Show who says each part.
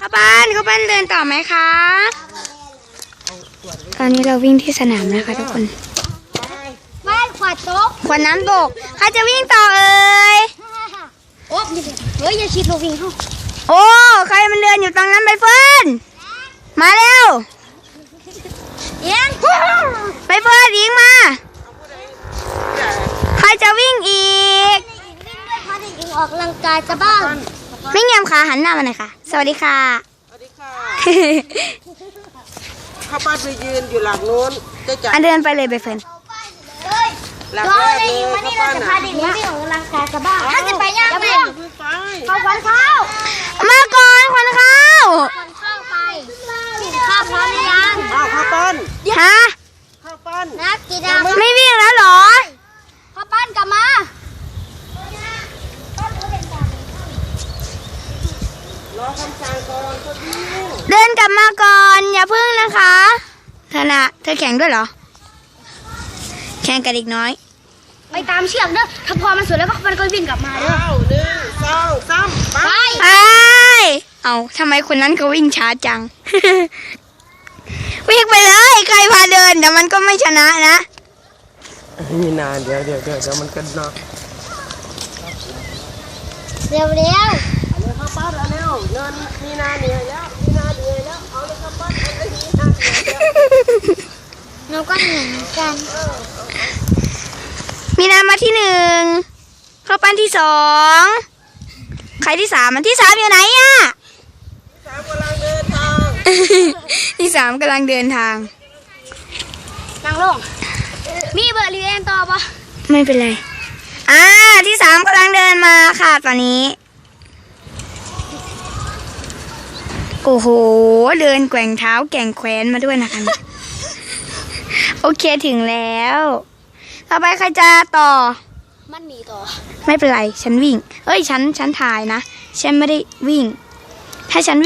Speaker 1: ข้าวปั้นเดินต่อไหมคะตอนนี้เราวิ่งที่สนามนะคะทุกคน
Speaker 2: ไม่ขวดตก
Speaker 1: ขวดน้ำตกใครจะวิ่งต่อเอ่ย
Speaker 2: โอ้เฮ้ยอย่าชิดลูกวิ่งเข้า
Speaker 1: โอ้ใครมันเดินอยู่ตรงนั้นใบเฟิร์นมาเร็ว
Speaker 2: เอียง
Speaker 1: ใบเฟิร์นยิงมาใครจะวิ่งอีก
Speaker 2: วิ่งด้วยพาเด็กหญิงออกกำลังกายจะบ้าง
Speaker 1: ไม่เงียบค่ะหันหน้ามาหน่อยค่ะสวัสดีค่ะ
Speaker 3: สวัสดีค่ะข้าวปั้นไปยืนอยู่หลังโน้นจะจับ
Speaker 1: อันเดินไปเลยใบเฟิร์น
Speaker 2: เฮ้ย
Speaker 3: หลัง
Speaker 2: รอ
Speaker 3: แรก
Speaker 2: เลย
Speaker 3: เลย
Speaker 2: วันนี้
Speaker 3: ข้าว
Speaker 2: เรา
Speaker 3: ปั้น
Speaker 2: จะ
Speaker 3: อ่ะ
Speaker 2: พาเด็กหญิงวิ่งออกกำลังกายจะบ้างถ้าจะไปย่างไป
Speaker 3: ไป
Speaker 2: เข้าควันเข้า
Speaker 1: มาก่อนควันข้าว
Speaker 2: ควันเข้าไปข้าวพร้อมหรือยัง
Speaker 3: อ้าวข้าวปั้น
Speaker 1: ฮะ
Speaker 3: ข้าวปั้น
Speaker 2: นักกีฬา
Speaker 1: ไม่วิ่งแล้วเหรอ
Speaker 2: ข้าวปั้นกลับมา
Speaker 3: รอคำสั่งก่อนก็ดี
Speaker 1: เดินกลับมาก่อนอย่าพึ่งนะคะเธอแข่งด้วยเหรอแข่งกับเด็กน้อย
Speaker 2: ไปตามเชือกเด้อถ้าพอมันสุดแล้วก็มันก็วิ่งกลับมาเด้อ
Speaker 3: อ้าวหนึ่งสองสามไป
Speaker 2: ไป
Speaker 1: ไปเอาทำไมคนนั้นเขาวิ่งช้าจัง วิ่งไปเลยใครพาเดินแต่มันก็ไม่ชนะนะ
Speaker 3: นี่นานเดี๋ยวมันกันเนาะ
Speaker 2: เร็ว
Speaker 3: เอาเลยข้าวปั้นเอาเร็วเงินมีนาเหนื่อยแล้วมีนาเหนื่อยแล้วเอาเลยข้าวปั้นเอาเลยมีนาเหนื่อยแล้ว
Speaker 2: เราก็เหมือนกัน
Speaker 1: มีนามาที่หนึ่งเข้าปั้นที่สองใครที่สามมันที่สามอยู่ไหนอะ
Speaker 3: สามกำลังเดินทาง
Speaker 1: ที่สามกำลังเดินทาง
Speaker 2: นั่งลงมีเบอร์เรียนต่อปะ
Speaker 1: ไม่เป็นไรที่สามกำลังเดินมาค่ะตอนนี้ โอ้โห เดินแกว่งเท้าแก่งแขวนมาด้วยนะคะ โอเคถึงแล้ว ต่อไปใครจะต่อ
Speaker 2: มันหนีต่อ
Speaker 1: ไม่เป็นไร ฉันวิ่ง เอ้ย ฉันถ่ายนะ ฉันไม่ได้วิ่ง ถ้าฉัน